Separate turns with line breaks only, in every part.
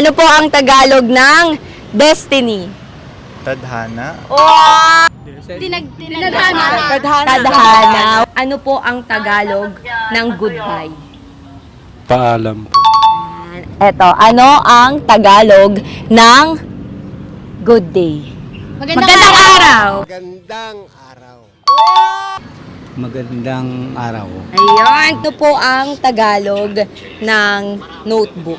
Ano po ang Tagalog ng destiny?
Tadhana.
Oh!
Tinadhana.
Tadhana. Ano po ang Tagalog ng goodbye?
Paalam.
Eto, ano ang Tagalog ng good day? Magandang araw!
Magandang araw.
Magandang araw.
Ayun, ito po ang Tagalog ng notebook.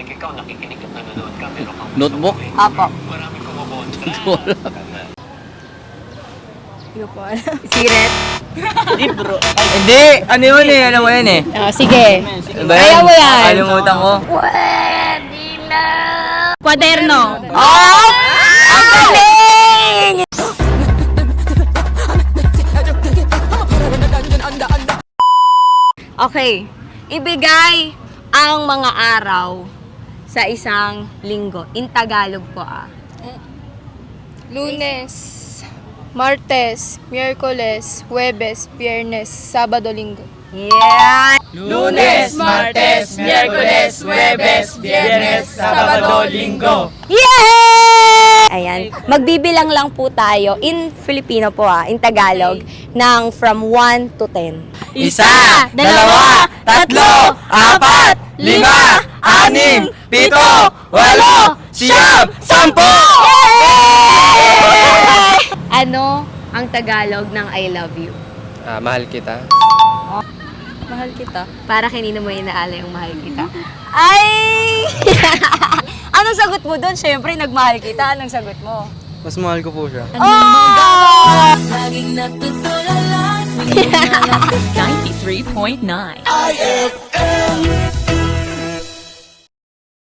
Notebook?
Apo. Siret?
Libro. Hindi! Ano yun eh? Alam mo yan eh.
Sige.
Ano ba
Kaya mo yan.
Kalimutan ko.
Kwaderno. Oh! Ang galing! Okay. Ibigay ang mga araw sa isang linggo. In Tagalog po
Lunes, Martes, Miyerkules, Huwebes, Biyernes, Sabado, Linggo.
Yeah!
Lunes, Martes, Miyerkules, Huwebes, Biyernes, Sabado, Linggo.
Yay! Ayan. Magbibilang lang po tayo in Filipino po in Tagalog ng from 1 to 10.
Isa, dalawa, tatlo, apat, lima, anim, pito, walo, siyam, sampo!
Ano ang Tagalog ng I love you?
Mahal kita.
Mahal kita. Para kanino mo inaala yung mahal kita? Ay! Anong sagot mo doon? Siyempre, nagmahal kita. Anong sagot mo?
Mas mahal ko po siya.
Oh!
93.9 IFM